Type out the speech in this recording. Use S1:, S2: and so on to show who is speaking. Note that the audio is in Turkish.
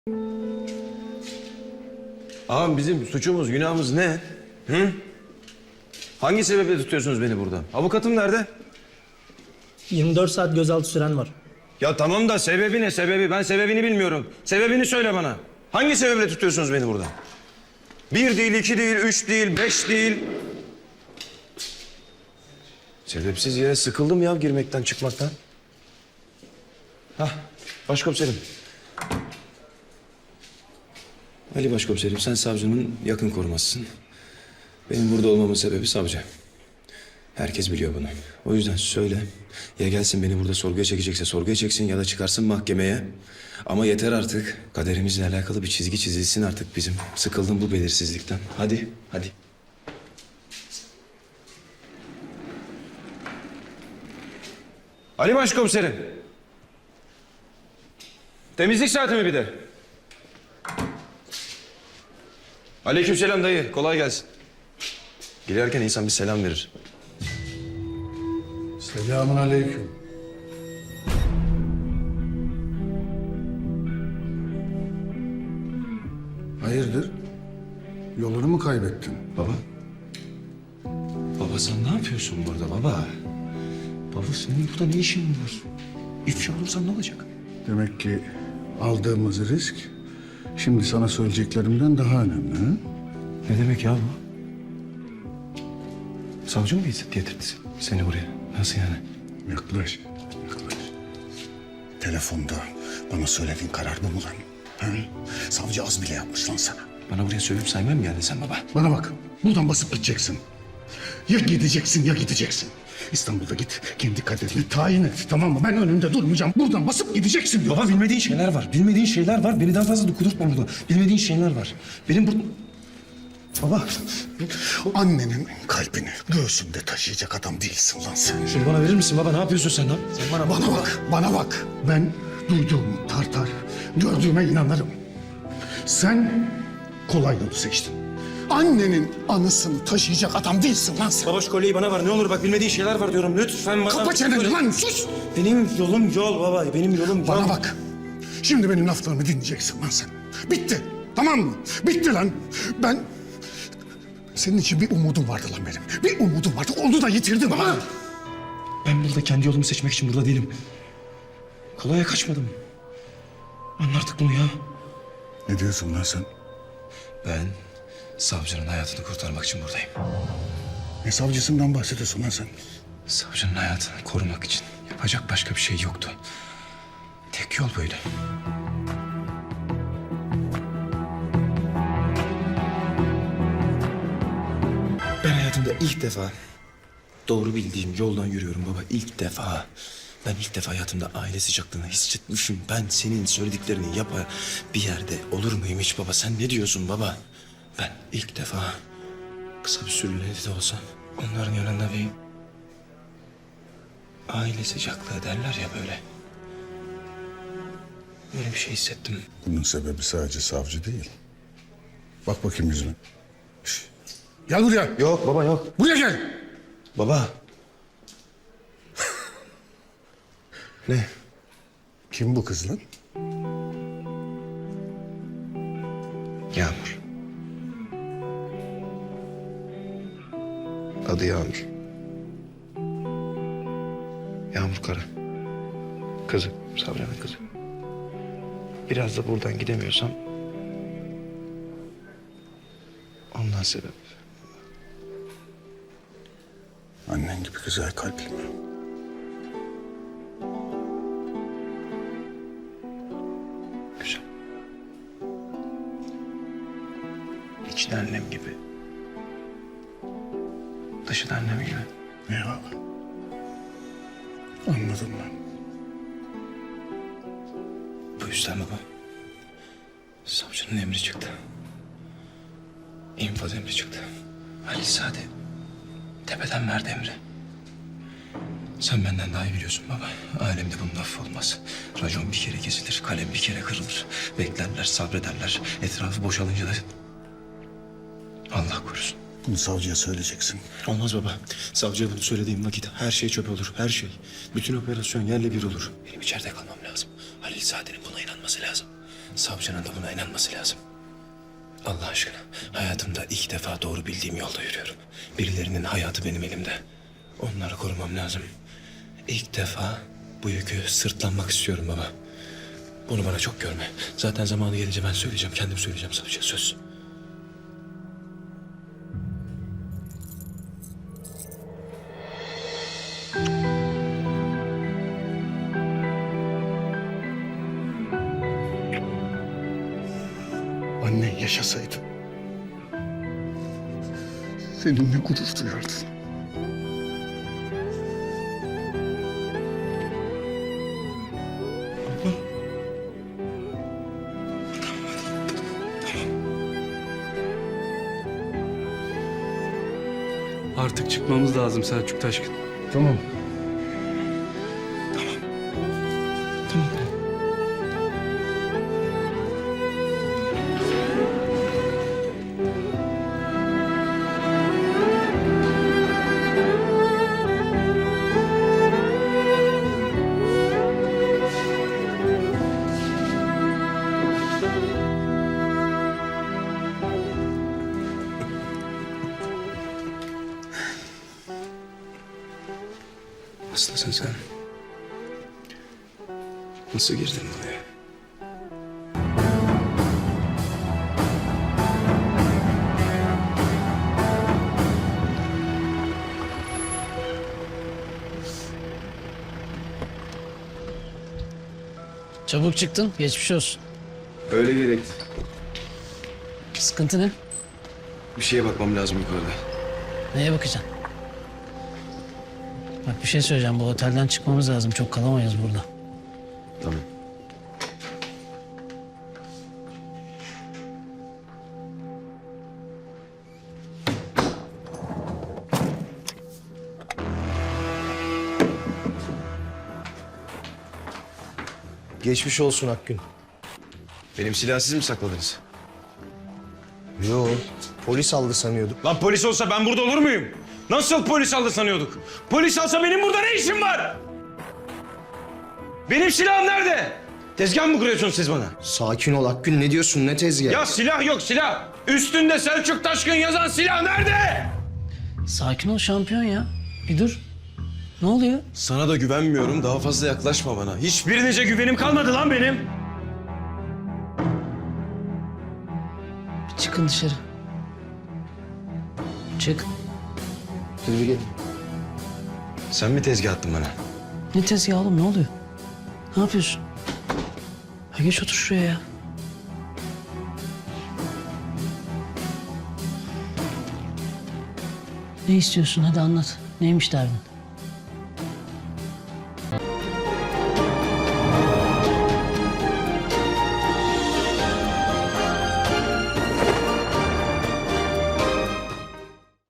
S1: Ağam bizim suçumuz, günahımız ne? Hı? Hangi sebeple tutuyorsunuz beni burada? Avukatım nerede?
S2: 24 saat gözaltı süren var.
S1: Ya tamam da sebebi ne sebebi? Ben sebebini bilmiyorum. Sebebini söyle bana. Hangi sebeple tutuyorsunuz beni burada? 1 değil, 2 değil, 3 değil, 5 değil. Sebepsiz yere sıkıldım ya girmekten, çıkmaktan. Hah, başkomiserim. Ali başkomiserim, sen savcının yakın korumasısın. Benim burada olmamın sebebi savcı. Herkes biliyor bunu. O yüzden söyle. Ya gelsin beni burada sorguya çekecekse sorguya çeksin ya da çıkarsın mahkemeye. Ama yeter artık. Kaderimizle alakalı bir çizgi çizilsin artık bizim. Sıkıldım bu belirsizlikten. Hadi, hadi. Ali başkomiserim. Temizlik saati mi bir de? Aleykümselam dayı. Kolay gelsin. Girerken insan bir selam verir.
S3: Selamun aleyküm. Hayırdır? Yolunu mu kaybettin?
S1: Baba. Baba sen ne yapıyorsun burada baba? Baba senin burada ne işin var? İfşa olursan ne olacak?
S3: Demek ki aldığımız risk şimdi sana söyleyeceklerimden daha önemli. Ha?
S1: Ne demek ya bu? Savcı mı getirdi seni buraya? Nasıl yani?
S3: Yaklaş, yaklaş. Telefonda bana söylediğin karar bu mu lan? Ha? Savcı az bile yapmış lan sana.
S1: Bana buraya sövüp saymaya mı geldin sen baba?
S3: Bana bak, buradan basıp gideceksin. Ya gideceksin ya gideceksin. İstanbul'da git, kendi kaderini tayin et, tamam mı? Ben önünde durmayacağım. Buradan basıp gideceksin diyor.
S1: Baba bilmediğin şeyler var. Bilmediğin şeyler var. Beni daha fazla da kudurtma burada. Bilmediğin şeyler var. Benim burada...
S3: Baba, annenin kalbini göğsünde taşıyacak adam değilsin lan sen.
S1: Şunu bana verir misin baba? Ne yapıyorsun sen lan? Sen bana
S3: Bana bak, bana bak. Ben duyduğumu tartar, gördüğüme inanırım. Sen kolay yolu seçtin. Annenin anısını taşıyacak adam değilsin lan sen.
S1: Baba şu kolyeyi bana ver. Ne olur bak bilmediğin şeyler var diyorum. Lütfen bana...
S3: Kapa çeneni lan, sus!
S1: Benim yolum yol baba. Benim yolum yol.
S3: Bana bak. Şimdi benim laflarımı dinleyeceksin lan sen. Bitti. Tamam mı? Bitti lan. Ben... Senin için bir umudum vardı lan benim. Bir umudum vardı. Onu da yitirdim ha.
S1: Ben burada kendi yolumu seçmek için burada değilim. Kolaya kaçmadım. Anla artık bunu ya.
S3: Ne diyorsun lan sen?
S1: Ben savcının hayatını kurtarmak için buradayım.
S3: Ne savcısından bahsediyorsun lan sen?
S1: Savcının hayatını korumak için yapacak başka bir şey yoktu. Tek yol böyle. Ben hayatımda ilk defa doğru bildiğim yoldan yürüyorum baba. İlk defa. Ben ilk defa hayatımda aile sıcaklığını hissetmişim. Ben senin söylediklerini yapar bir yerde olur muyum hiç baba? Sen ne diyorsun baba? Ben ilk defa kısa bir süreliğine de olsa onların yanında bir aile sıcaklığı derler ya böyle. Böyle bir şey hissettim.
S3: Bunun sebebi sadece savcı değil. Bak bakayım yüzüme. Şş. Gel buraya.
S1: Yok baba yok.
S3: Buraya gel.
S1: Baba. Ne?
S3: Kim bu kız lan?
S1: Yağmur. Adı Yağmur. Yağmur Kara. Kızı, Sabri'nin kızı. Biraz da buradan gidemiyorsam... ondan sebep.
S3: Annen gibi güzel kalpli mi?
S1: Güzel. İçi de annem gibi. Dışı da annem gibi.
S3: Eyvallah. Anladım ben.
S1: Bu yüzden baba. Savcının emri çıktı. İnfaz emri çıktı. Halil Sade tepeden verdi emri. Sen benden daha iyi biliyorsun baba. Alemde bunun affı olmaz. Racon bir kere kesilir, kalem bir kere kırılır. Beklerler, sabrederler. Etrafı boşalınca da... Allah korusun.
S3: Bunu savcıya söyleyeceksin.
S1: Olmaz baba. Savcıya bunu söylediğim vakit her şey çöp olur, her şey. Bütün operasyon yerle bir olur. Benim içeride kalmam lazım. Halil Sade'nin buna inanması lazım. Savcının da buna inanması lazım. Allah aşkına, hayatımda ilk defa doğru bildiğim yolda yürüyorum. Birilerinin hayatı benim elimde. Onları korumam lazım. İlk defa bu yükü sırtlanmak istiyorum baba. Bunu bana çok görme. Zaten zamanı gelince ben söyleyeceğim, kendim söyleyeceğim savcıya, söz.
S3: Annen yaşasaydı seninle gurur duyardı.
S4: Artık çıkmamız lazım Selçuk Taşkın.
S3: Tamam.
S1: Nasılsın sen? Nasıl girdin buraya?
S5: Çabuk çıktın, geçmiş olsun.
S1: Öyle gerekti.
S5: Sıkıntı ne?
S1: Bir şeye bakmam lazım yukarıda.
S5: Neye bakacaksın? Bak bir şey söyleyeceğim, bu otelden çıkmamız lazım. Çok kalamayız burada.
S1: Tamam.
S6: Geçmiş olsun Akgün.
S1: Benim silahı siz mi sakladınız?
S6: Yo, polis aldı sanıyorduk.
S1: Lan polis olsa ben burada olur muyum? Nasıl polis aldı sanıyorduk? Polis alsa benim burada ne işim var? Benim silahım nerede? Tezgah mı kuruyorsunuz siz bana?
S6: Sakin ol Akgün, ne diyorsun, ne tezgahı?
S1: Ya silah yok silah. Üstünde Selçuk Taşkın yazan silah nerede?
S5: Sakin ol şampiyon ya. Bir dur. Ne oluyor?
S1: Sana da güvenmiyorum. Daha fazla yaklaşma bana. Hiçbirinize güvenim kalmadı lan benim.
S5: Bir çıkın dışarı. Çık.
S6: Yürü gel.
S1: Sen mi tezgah attın bana?
S5: Ne tezgahı oğlum, ne oluyor? Ne yapıyorsun? Ha, geç otur şuraya ya. Ne istiyorsun? Hadi anlat. Neymiş derdin?